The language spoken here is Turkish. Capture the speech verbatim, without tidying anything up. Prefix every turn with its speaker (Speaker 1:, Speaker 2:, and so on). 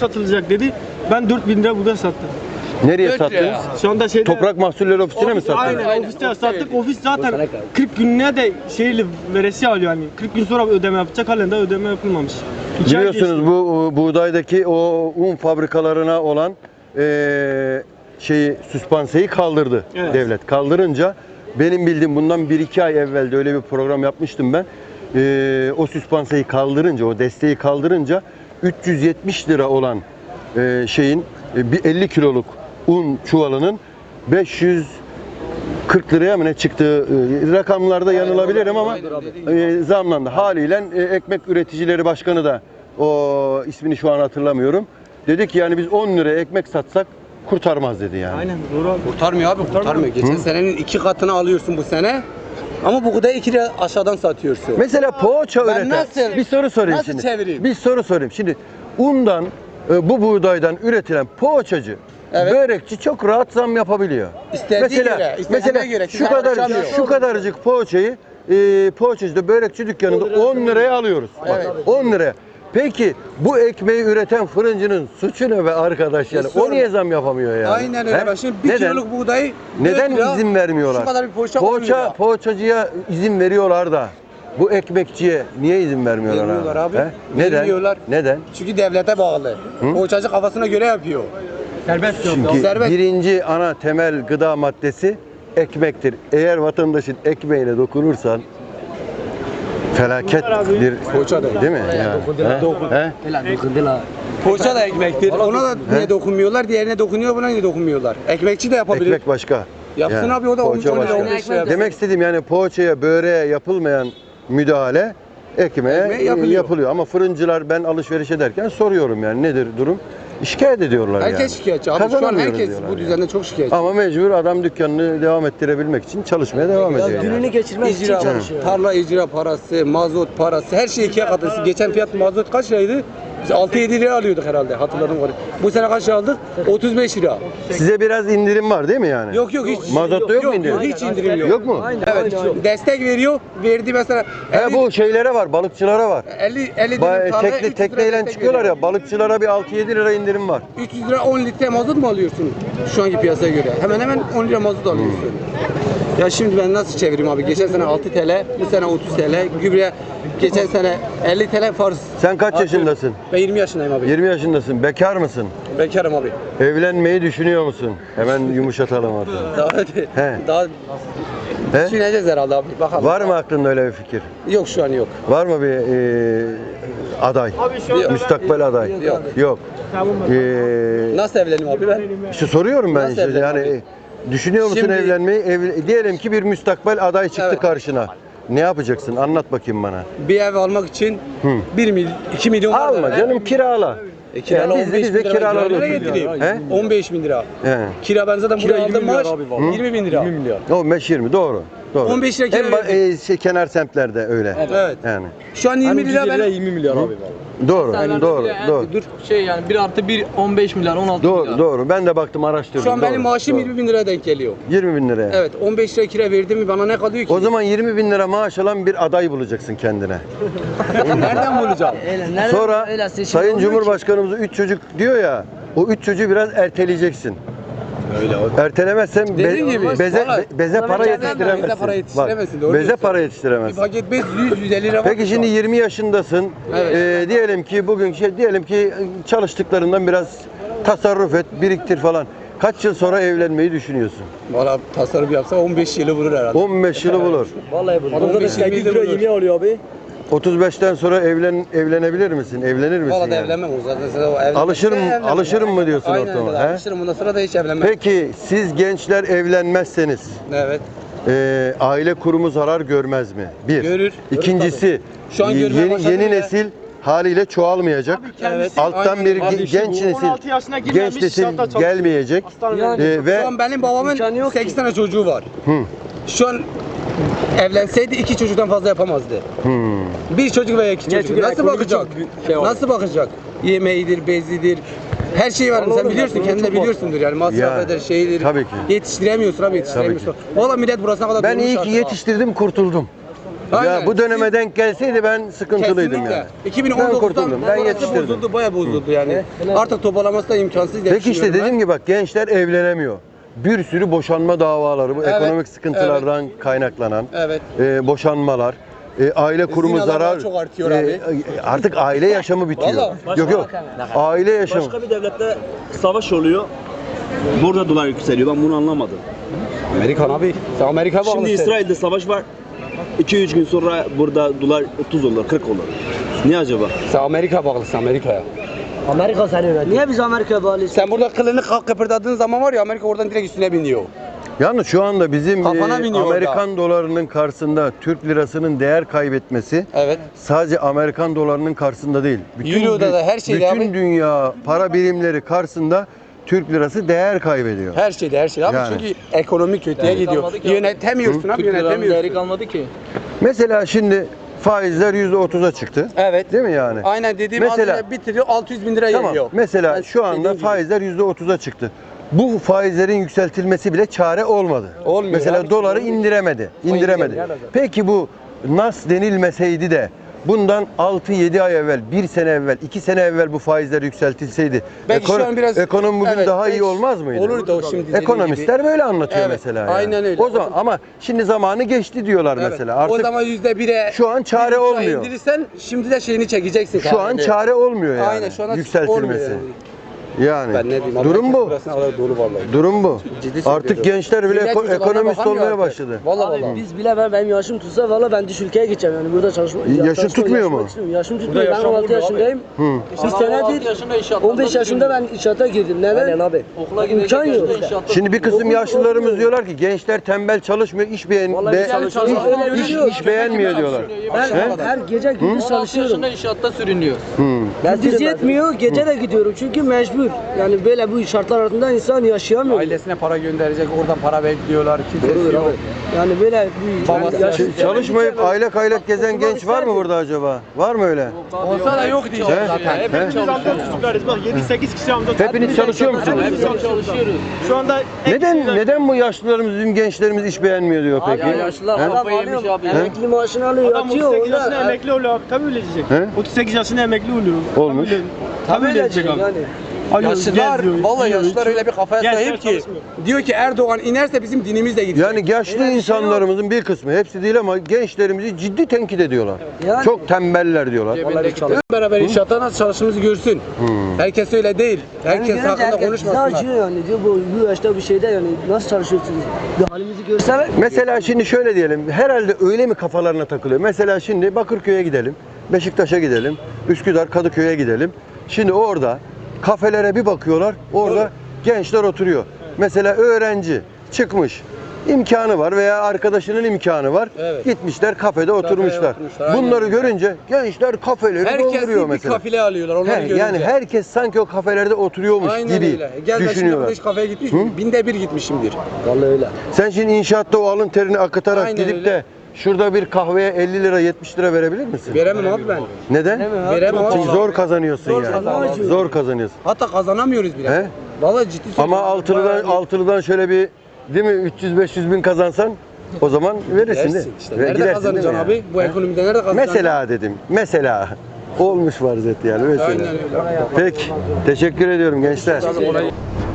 Speaker 1: satılacak dedi. Ben dört bin lira buğday sattım.
Speaker 2: Nereye sattınız?
Speaker 1: Şu anda şeyde...
Speaker 2: Toprak Mahsulleri Ofisi'ne mi sattınız?
Speaker 1: Aynen, aynen ofiste sattık. Ofis zaten kırk günlüğe de şeyli veresi alıyor yani. kırk gün sonra ödeme yapacak, halen de ödeme yapılmamış. İki ay
Speaker 2: Biliyorsunuz
Speaker 1: geçti.
Speaker 2: bu e, buğdaydaki o un fabrikalarına olan e, şeyi süspanseyi kaldırdı
Speaker 1: Evet.
Speaker 2: devlet. Kaldırınca benim bildiğim bundan bir iki ay evvel de öyle bir program yapmıştım ben. E, o süspanseyi kaldırınca, o desteği kaldırınca üç yüz yetmiş lira olan e, şeyin e, bir elli kiloluk un çuvalının beş yüz kırk liraya mı ne çıktığı e, rakamlarda yanılabilirim ama e, zamlandı. Haliyle e, Ekmek Üreticileri Başkanı da o ismini şu an hatırlamıyorum. Dedi ki yani biz on liraya ekmek satsak kurtarmaz dedi yani.
Speaker 1: Aynen doğru abi.
Speaker 3: Kurtarmıyor abi, kurtarmıyor. Geçen
Speaker 2: Hı?
Speaker 3: senenin iki katını alıyorsun bu sene. Ama bu kadar iki lira aşağıdan satıyorsun.
Speaker 2: Mesela poğaça
Speaker 3: Ben
Speaker 2: üreten,
Speaker 3: nasıl-
Speaker 2: bir soru sorayım
Speaker 3: nasıl
Speaker 2: şimdi.
Speaker 3: çevireyim?
Speaker 2: Bir soru sorayım. Şimdi undan, e, bu buğdaydan üretilen poğaçacı,
Speaker 3: Evet.
Speaker 2: börekçi çok rahat zam yapabiliyor.
Speaker 3: İstediği
Speaker 2: mesela,
Speaker 3: göre, istediğine
Speaker 2: mesela
Speaker 3: göre.
Speaker 2: şu
Speaker 3: Kimse
Speaker 2: kadar
Speaker 3: karışamıyor.
Speaker 2: şu kadarcık poğaçayı e, poğaçacıda, börekçi dükkanında on liraya alıyoruz. Bak,
Speaker 3: Evet.
Speaker 2: on liraya. Peki bu ekmeği üreten fırıncının suçu ne be arkadaş yani?
Speaker 3: E,
Speaker 2: O
Speaker 3: sorma.
Speaker 2: niye zam yapamıyor yani?
Speaker 3: Aynen öyle.
Speaker 2: He?
Speaker 3: Bak şimdi bir
Speaker 2: Neden?
Speaker 3: kiloluk buğdayı
Speaker 2: Neden
Speaker 3: dört lira,
Speaker 2: izin vermiyorlar?
Speaker 3: Şu kadar bir poğaça on
Speaker 2: Poğaça,
Speaker 3: lira.
Speaker 2: poğaçacıya izin veriyorlar da bu ekmekçiye niye izin vermiyorlar
Speaker 3: Vermiyorlar abi.
Speaker 2: He? Neden?
Speaker 3: Vermiyorlar.
Speaker 2: Neden?
Speaker 3: Çünkü devlete bağlı. Poğaçacı kafasına göre yapıyor.
Speaker 1: Serbest yok.
Speaker 2: Çünkü
Speaker 3: Serbest.
Speaker 2: birinci ana temel gıda maddesi ekmektir. Eğer vatandaşın ekmeğine dokunursan felaket bir
Speaker 3: Poğaça da.
Speaker 2: değil mi? Yani, he? He?
Speaker 3: Poğaça da ekmektir. Ona da niye dokunmuyorlar? Diğerine dokunuyor, buna niye dokunmuyorlar? Ekmekçi de yapabilir.
Speaker 2: Ekmek başka.
Speaker 3: Yapsın abi, o da on üç,
Speaker 2: poğaça
Speaker 3: on lira,
Speaker 2: başka.
Speaker 3: on beş lira yapsın.
Speaker 2: Demek istediğim yani poğaçaya, böreğe yapılmayan müdahale ekmeğe
Speaker 3: Ekmeğe
Speaker 2: yapılıyor.
Speaker 3: yapılıyor.
Speaker 2: Ama fırıncılar ben alışveriş ederken soruyorum yani nedir durum? Şikayet ediyorlar
Speaker 3: Herkes
Speaker 2: yani.
Speaker 3: şikayetçi abi. Şu an
Speaker 2: Kazanamıyoruz
Speaker 3: herkes
Speaker 2: diyorlar
Speaker 3: bu
Speaker 2: yani.
Speaker 3: düzende çok şikayetçi.
Speaker 2: Ama mecbur adam dükkanını devam ettirebilmek için çalışmaya devam ediyor. yani.
Speaker 4: Gününü geçirmek için
Speaker 3: İcra,
Speaker 4: çalışıyor.
Speaker 3: tarla icra parası, mazot parası, her şey ikiye katladı. Geçen fiyat mazot kaç liraydı? Biz altı yedi lira alıyorduk herhalde, hatırladım onu. Bu sene kaç lira aldık? otuz beş lira.
Speaker 2: Size biraz indirim var değil mi yani?
Speaker 3: Yok yok hiç.
Speaker 2: Mazotta yok mu indirim?
Speaker 3: Yok, hiç indirim yok.
Speaker 2: Yok mu?
Speaker 3: Evet, destek veriyor. Verdi mesela
Speaker 2: He bu şeylere var, balıkçılara var.
Speaker 3: elli elli
Speaker 2: Ba-
Speaker 3: dilim tarlaya üç
Speaker 2: tekne,
Speaker 3: yüz lira
Speaker 2: tekneyle
Speaker 3: destek
Speaker 2: çıkıyorlar
Speaker 3: veriyor.
Speaker 2: ya, balıkçılara bir altı yedi lira indirim var.
Speaker 3: üç yüz lira on litre mazot mu alıyorsun şu anki piyasaya göre? Hemen hemen on lira mazot alıyorsun. Ya şimdi ben nasıl çevireyim abi? Geçen sene altı TL, bu sene otuz TL. Gübre geçen sene elli TL farz.
Speaker 2: Sen kaç yaşındasın?
Speaker 3: Ben yirmi yaşındayım abi.
Speaker 2: yirmi yaşındasın. Bekar mısın?
Speaker 3: Bekarım abi.
Speaker 2: Evlenmeyi düşünüyor musun? Hemen yumuşatalım artık.
Speaker 3: Daha
Speaker 2: He.
Speaker 3: daha
Speaker 2: He?
Speaker 3: düşüneceğiz herhalde abi. Bakalım.
Speaker 2: Var mı aklında öyle bir fikir?
Speaker 3: Yok şu an yok.
Speaker 2: Var mı bir e, aday?
Speaker 1: Abi şu anda
Speaker 2: Müstakbel aday?
Speaker 3: Yok.
Speaker 2: Yok.
Speaker 1: Tamam.
Speaker 2: E,
Speaker 3: Nasıl evleneyim abi ben?
Speaker 2: işte soruyorum ben
Speaker 3: Nasıl
Speaker 2: işte
Speaker 3: evleneyim
Speaker 2: yani
Speaker 3: abi?
Speaker 2: e, düşünüyor musun
Speaker 3: Şimdi-
Speaker 2: evlenmeyi? Ev, diyelim ki bir müstakbel aday çıktı
Speaker 3: Evet.
Speaker 2: karşına. Ne yapacaksın? Anlat bakayım bana.
Speaker 3: Bir ev almak için
Speaker 2: Hı.
Speaker 3: bir milyon, iki milyon var
Speaker 2: Alma
Speaker 3: da-
Speaker 2: canım kirala.
Speaker 3: E, kirala
Speaker 2: Ya biz de-
Speaker 3: on beş
Speaker 2: biz de
Speaker 3: bin lira
Speaker 2: kiralar
Speaker 3: kiraya
Speaker 2: oturuyoruz.
Speaker 3: getireyim.
Speaker 2: He?
Speaker 3: on beş bin lira.
Speaker 2: He.
Speaker 3: Kira ben zaten buraya aldım maaş yirmi bin lira.
Speaker 2: on beş yirmi doğru. Doğru.
Speaker 3: on beş lira kira
Speaker 2: En ba- e, şey, kenar semtlerde öyle.
Speaker 3: Evet.
Speaker 2: Yani.
Speaker 3: Şu an yirmi lira ben
Speaker 4: yirmi milyar abi.
Speaker 2: Doğru. doğru. Doğru.
Speaker 4: Dur şey yani bir artı bir on beş milyar on altı
Speaker 2: Doğru,
Speaker 4: milyar.
Speaker 2: doğru. Ben de baktım, araştırdım.
Speaker 3: şu an benim
Speaker 2: Doğru,
Speaker 3: maaşım
Speaker 2: doğru.
Speaker 3: yirmi bin liraya denk geliyor.
Speaker 2: yirmi bin liraya.
Speaker 3: Evet, on beş lira kira verdim mi bana ne kalıyor ki?
Speaker 2: O zaman yirmi bin lira maaş alan bir aday bulacaksın kendine.
Speaker 3: nereden bulacağım?
Speaker 4: Öyle, nereden-
Speaker 2: Sonra
Speaker 4: öyle seçim
Speaker 2: Sayın
Speaker 4: olmuyor ki.
Speaker 2: Cumhurbaşkanımız üç çocuk diyor ya. O üç çocuğu biraz erteleyeceksin. Öyle abi. Ertelemezsen be-
Speaker 3: Dediğin gibi,
Speaker 2: beze,
Speaker 3: vallahi.
Speaker 2: be- beze para
Speaker 3: Beze
Speaker 2: yetiştiremezsin.
Speaker 3: para yetiştiremezsin,
Speaker 2: Bak,
Speaker 3: doğru
Speaker 2: beze
Speaker 3: diyorsun.
Speaker 2: para
Speaker 3: Bir
Speaker 2: yetiştiremezsin.
Speaker 3: paket bez yüz yüz elli lira var.
Speaker 2: Peki şimdi yirmi yaşındasın.
Speaker 3: Evet.
Speaker 2: Ee, diyelim ki bugün şey diyelim ki çalıştıklarından biraz tasarruf et, biriktir falan. Kaç yıl sonra evlenmeyi düşünüyorsun?
Speaker 3: Valla tasarruf yapsa on beş yılı vurur herhalde.
Speaker 2: on beş yılı bulur.
Speaker 4: Vallahi bu.
Speaker 3: on beş yirmi yılı bulur.
Speaker 4: alıyor abi.
Speaker 2: otuz beşten sonra evlen evlenebilir misin? Evlenir misin?
Speaker 3: Valla da
Speaker 2: yani?
Speaker 3: evlenmem o zaten. Sen o evlenmezse
Speaker 2: Alışırım-
Speaker 3: evlenmem.
Speaker 2: alışırım mı diyorsun
Speaker 3: Aynen
Speaker 2: ortama,
Speaker 3: öyle,
Speaker 2: he?
Speaker 3: alışırım bundan sonra da hiç evlenmem.
Speaker 2: Peki siz gençler evlenmezseniz
Speaker 3: Evet.
Speaker 2: e, aile kurumu zarar görmez mi? Bir.
Speaker 3: Görür.
Speaker 2: İkincisi
Speaker 3: Şu an görmeye
Speaker 2: yeni,
Speaker 3: başladı
Speaker 2: yeni
Speaker 3: bile.
Speaker 2: haliyle haliyle çoğalmayacak.
Speaker 3: Evet.
Speaker 2: Alttan
Speaker 3: Aynen.
Speaker 2: bir
Speaker 3: Abi
Speaker 2: ge-
Speaker 3: işte
Speaker 2: genç
Speaker 3: bu
Speaker 2: nesil
Speaker 1: on altı yaşına girmemiş,
Speaker 2: genç nesil
Speaker 1: inşaatta çalışıyor.
Speaker 2: gelmeyecek.
Speaker 1: Hastanede.
Speaker 2: E, ve
Speaker 3: Şu an benim babamın
Speaker 4: İmkanı yok
Speaker 3: sekiz
Speaker 4: ki.
Speaker 3: tane çocuğu var.
Speaker 2: Hı.
Speaker 3: Şu an evlenseydi iki çocuktan fazla yapamazdı.
Speaker 2: Hmm.
Speaker 3: Bir çocuk veya iki çocuk.
Speaker 4: çünkü
Speaker 3: Nasıl
Speaker 4: ekonomi
Speaker 3: bakacak?
Speaker 4: çok büyük şey var.
Speaker 3: Nasıl bakacak? Yemeğidir, bezidir. Her şey var. Sen
Speaker 4: oğlum,
Speaker 3: biliyorsun,
Speaker 4: ekonomi
Speaker 3: kendin de
Speaker 4: çok var.
Speaker 3: biliyorsundur yani masraf
Speaker 2: Yani,
Speaker 3: eder, şeydir.
Speaker 2: tabii ki.
Speaker 3: Yetiştiremiyorsun abi, yetiştiremiyorsun. Valla millet burasına kadar
Speaker 2: Ben
Speaker 3: durmuş
Speaker 2: iyi ki
Speaker 3: artık ha.
Speaker 2: yetiştirdim, kurtuldum.
Speaker 3: Aynen.
Speaker 2: bu döneme denk gelseydi ben sıkıntılıydım
Speaker 3: Kesinlikle.
Speaker 2: yani.
Speaker 3: iki bin on
Speaker 2: Ben
Speaker 3: dokuzdan
Speaker 2: kurtuldum, ben
Speaker 3: orası
Speaker 2: yetiştirdim.
Speaker 3: bozuldu, bayağı bozuldu yani. Artık toparlaması da imkansız diye
Speaker 2: Peki işte
Speaker 3: düşünüyorum
Speaker 2: dediğim gibi bak gençler evlenemiyor. Bir sürü boşanma davaları, bu
Speaker 3: Evet,
Speaker 2: ekonomik sıkıntılardan kaynaklanan
Speaker 3: Evet.
Speaker 2: e, boşanmalar, e, aile kurumu
Speaker 3: Zinalar
Speaker 2: zarar,
Speaker 3: çok artıyor
Speaker 2: e,
Speaker 3: abi.
Speaker 2: artık aile yaşamı bitiyor.
Speaker 3: Vallahi.
Speaker 2: Yok yok, aile yaşamı.
Speaker 5: Başka bir devlette savaş oluyor. Burada dolar yükseliyor. Ben bunu anlamadım.
Speaker 3: Amerikan abi. Sen Amerika bağlı.
Speaker 5: Şimdi İsrail'de savaş var. iki üç gün sonra burada dolar otuz olur, kırk olur. Niye acaba?
Speaker 3: Sen Amerika bağlısın Amerika'ya.
Speaker 6: Amerika seni yönetiyor. Niye biz Amerika'ya bağlıyız?
Speaker 3: Sen burada kılını kalk kıpırdadığın zaman var ya Amerika oradan direkt üstüne biniyor.
Speaker 2: Yalnız şu anda bizim
Speaker 3: Kafana
Speaker 2: e,
Speaker 3: biniyor
Speaker 2: Amerikan dolarının karşısında Türk lirasının değer kaybetmesi
Speaker 3: Evet.
Speaker 2: sadece Amerikan dolarının karşısında değil.
Speaker 3: Euro'da da her şeyde
Speaker 2: bütün
Speaker 3: abi.
Speaker 2: dünya para birimleri karşısında Türk lirası değer kaybediyor.
Speaker 3: Her şeyde her şey abi
Speaker 2: Yani.
Speaker 3: çünkü ekonomi kötüye
Speaker 4: Yani
Speaker 3: gidiyor.
Speaker 4: kalmadı ki abi.
Speaker 3: Yönetemiyorsun abi
Speaker 4: Türk liranın değeri
Speaker 3: yönetemiyorsun.
Speaker 4: kalmadı ki.
Speaker 2: Mesela şimdi faizler yüzde otuza çıktı.
Speaker 3: Evet.
Speaker 2: Değil mi yani?
Speaker 3: Aynen dediğim
Speaker 2: Mesela-
Speaker 3: mesela, bitiriyor altı yüz bin lira
Speaker 2: Tamam.
Speaker 3: geliyor.
Speaker 2: Mesela
Speaker 3: Ben
Speaker 2: şu anda
Speaker 3: dediğim gibi.
Speaker 2: faizler yüzde otuza çıktı. Bu faizlerin yükseltilmesi bile çare olmadı.
Speaker 3: Olmuyor
Speaker 2: Mesela
Speaker 3: abi.
Speaker 2: doları indiremedi. indiremedi.
Speaker 3: indiremedi.
Speaker 2: Peki bu nas denilmeseydi de bundan altı yedi ay evvel, bir sene evvel, iki sene evvel bu faizler yükseltilseydi
Speaker 3: Belki şu an biraz-
Speaker 2: ekonomi bugün
Speaker 3: Evet,
Speaker 2: daha iyi
Speaker 3: belki
Speaker 2: olmaz mıydı?
Speaker 3: olurdu o şimdi dediğin
Speaker 2: Ekonomistler
Speaker 3: gibi.
Speaker 2: böyle anlatıyor
Speaker 3: Evet,
Speaker 2: mesela. Yani.
Speaker 3: aynen öyle.
Speaker 2: O zaman ama şimdi zamanı geçti diyorlar
Speaker 3: Evet.
Speaker 2: mesela. Artık
Speaker 3: o zaman yüzde bire
Speaker 2: şu an çare
Speaker 3: bir buçuğa
Speaker 2: olmuyor.
Speaker 3: indirirsen şimdi de şeyini çekeceksin.
Speaker 2: şu an
Speaker 3: sadece.
Speaker 2: çare olmuyor yani.
Speaker 3: Aynen şu an
Speaker 2: yükseltilmesi.
Speaker 3: olmuyor yani.
Speaker 2: Yani
Speaker 3: Ben ne diyeyim?
Speaker 2: durum
Speaker 3: Amerika
Speaker 2: bu.
Speaker 3: burasına kadar dolu vallahi.
Speaker 2: Durum bu.
Speaker 3: Ciddi
Speaker 2: Artık
Speaker 3: söylüyorum.
Speaker 2: gençler bile
Speaker 3: Millet
Speaker 2: eko-
Speaker 3: çocuklarına
Speaker 2: ekonomist
Speaker 3: bakamıyor
Speaker 2: olmaya
Speaker 3: artık.
Speaker 2: başladı.
Speaker 3: Vallahi
Speaker 6: Abi
Speaker 3: vallahi.
Speaker 6: biz bile ben benim yaşım tutsa valla ben Türkiye'ye gideceğim yani burada çalışma.
Speaker 2: Yaşın
Speaker 6: çalışma-
Speaker 2: tutmuyor
Speaker 6: yaşamak
Speaker 2: mu?
Speaker 6: istiyorum. Yaşım tutmuyor. Ben on altı yaşındayım.
Speaker 2: Hı.
Speaker 6: Bir senedir
Speaker 4: yaşında inşaatlarda
Speaker 6: on beş yaşında ben inşaata girdim. Neden? Aynen abi.
Speaker 4: Okula
Speaker 6: İmkan
Speaker 4: gidecek
Speaker 6: yok.
Speaker 4: yaşta inşaatta.
Speaker 2: Şimdi bir kısım
Speaker 6: Okul-
Speaker 2: yaşlılarımız
Speaker 6: okul-
Speaker 2: diyorlar ki gençler tembel çalışmıyor, iş beğen
Speaker 6: Vallahi
Speaker 2: be-
Speaker 6: güzel
Speaker 2: iş,
Speaker 6: çalışıyor. Öyle
Speaker 2: iş,
Speaker 6: diyor.
Speaker 2: iş beğenmiyor diyorlar.
Speaker 6: Ben
Speaker 2: He?
Speaker 6: her gece gündüz
Speaker 4: on altı
Speaker 6: çalışıyorum.
Speaker 4: yaşında inşaatta sürünüyor.
Speaker 2: Hı.
Speaker 6: Gündüz yetmiyor, gece de gidiyorum çünkü mecbur. Yani böyle bu şartlar altında insan yaşayamıyor.
Speaker 3: Ailesine para gönderecek, oradan para bekliyorlar. Kimsesi
Speaker 6: Doğrudur
Speaker 3: yok.
Speaker 6: abi. Yani böyle bu
Speaker 3: Babası
Speaker 6: yani yaşı-
Speaker 2: Ç- Çalışmayıp aylak aylak gezen genç var mı burada acaba? Var mı öyle?
Speaker 3: Olsa da yok diyeceğim
Speaker 2: He?
Speaker 3: zaten.
Speaker 2: He?
Speaker 1: Hepimiz amca çocuklarız. Bak yedi sekiz kişi amca çocuk.
Speaker 2: Hepiniz çalışıyor musunuz?
Speaker 1: Hepimiz çalışıyoruz. Şu anda ek
Speaker 2: Neden
Speaker 1: şeyler-
Speaker 2: neden bu yaşlılarımız, bizim gençlerimiz iş beğenmiyor diyor peki?
Speaker 6: Ya yaşlılar
Speaker 2: He?
Speaker 6: adam
Speaker 4: Kafayı yemiş
Speaker 6: alıyor,
Speaker 4: abi.
Speaker 6: emekli maaşını alıyor,
Speaker 1: Adam otuz
Speaker 6: yatıyor.
Speaker 1: sekiz yaşında
Speaker 6: onda-
Speaker 1: emekli oluyor abi. Tabii öyle diyecek.
Speaker 2: He?
Speaker 1: otuz sekiz yaşında emekli oluyor.
Speaker 2: Olmuş.
Speaker 1: Tabii öyle-
Speaker 6: Tabii
Speaker 1: Tabii öyle
Speaker 6: öyle
Speaker 1: diyecek
Speaker 6: diyecek
Speaker 1: abi.
Speaker 6: yani.
Speaker 1: Alıyor,
Speaker 3: Yaşlılar,
Speaker 1: geziyor,
Speaker 3: vallahi
Speaker 1: yiyor,
Speaker 3: yaşlılar
Speaker 1: içiyor.
Speaker 3: öyle bir kafaya
Speaker 1: Gençler
Speaker 3: sahip ki
Speaker 1: çalışmıyor.
Speaker 3: diyor ki Erdoğan inerse bizim dinimiz de gidecek.
Speaker 2: Yani yaşlı insanlarımızın bir kısmı, hepsi değil ama gençlerimizi ciddi tenkit ediyorlar.
Speaker 6: Yani-
Speaker 2: Çok tembeller diyorlar.
Speaker 3: Hep beraber inşaatta nasıl çalıştığımızı görsün. Herkes öyle değil. Herkes
Speaker 6: Yani
Speaker 3: hakkında
Speaker 6: herkes bizi
Speaker 3: konuşmasınlar.
Speaker 6: acıyor yani diyor bu, bu yaşta bir şeyde yani nasıl çalışıyorsunuz? Bir halimizi görseler.
Speaker 2: Mesela şimdi şöyle diyelim, herhalde öyle mi kafalarına takılıyor? Mesela şimdi Bakırköy'e gidelim, Beşiktaş'a gidelim, Üsküdar, Kadıköy'e gidelim. Şimdi orada kafelere bir bakıyorlar, orada gençler oturuyor. Mesela öğrenci çıkmış, imkanı var veya arkadaşının imkanı var.
Speaker 3: Evet.
Speaker 2: Gitmişler kafede oturmuşlar.
Speaker 3: oturmuşlar, aynen
Speaker 2: Bunları
Speaker 3: öyle.
Speaker 2: görünce gençler kafeleri
Speaker 3: Herkes
Speaker 2: dolduruyor
Speaker 3: bir
Speaker 2: mesela.
Speaker 3: kafile alıyorlar onları
Speaker 2: He,
Speaker 3: görünce.
Speaker 2: yani herkes sanki o kafelerde oturuyormuş
Speaker 3: Aynen
Speaker 2: gibi
Speaker 3: öyle. Gel ben şimdi
Speaker 2: düşünüyorlar.
Speaker 3: beş kafeye gitmiş miyim? Binde bir gitmişimdir.
Speaker 6: Vallahi öyle.
Speaker 2: Sen şimdi inşaatta o alın terini akıtarak
Speaker 3: Aynen
Speaker 2: gidip
Speaker 3: öyle.
Speaker 2: de şurada bir kahveye elli lira yetmiş lira verebilir misin?
Speaker 3: Veremem abi ben.
Speaker 2: Neden?
Speaker 3: Veremem abi.
Speaker 2: Çünkü zor kazanıyorsun
Speaker 3: Zor
Speaker 2: yani.
Speaker 3: kazanıyorsun.
Speaker 2: Zor kazanıyorsun.
Speaker 3: Hatta kazanamıyoruz bile.
Speaker 2: He?
Speaker 3: Vallahi ciddi söylüyorum.
Speaker 2: Ama altılıdan
Speaker 3: Bayağı iyi.
Speaker 2: altılıdan şöyle bir değil mi üç yüz beş yüz bin kazansan o zaman verirsin de.
Speaker 3: Dersin işte.
Speaker 2: Ve
Speaker 3: Nerede
Speaker 2: gidersin
Speaker 3: kazanacaksın
Speaker 2: değil mi
Speaker 3: abi? Bu
Speaker 2: He?
Speaker 3: ekonomide nerede kazanacaksın?
Speaker 2: Mesela dedim. Mesela olmuş vaziyet yani mesela.
Speaker 3: Aynen öyle.
Speaker 2: Peki. Teşekkür ediyorum gençler.
Speaker 3: Olay-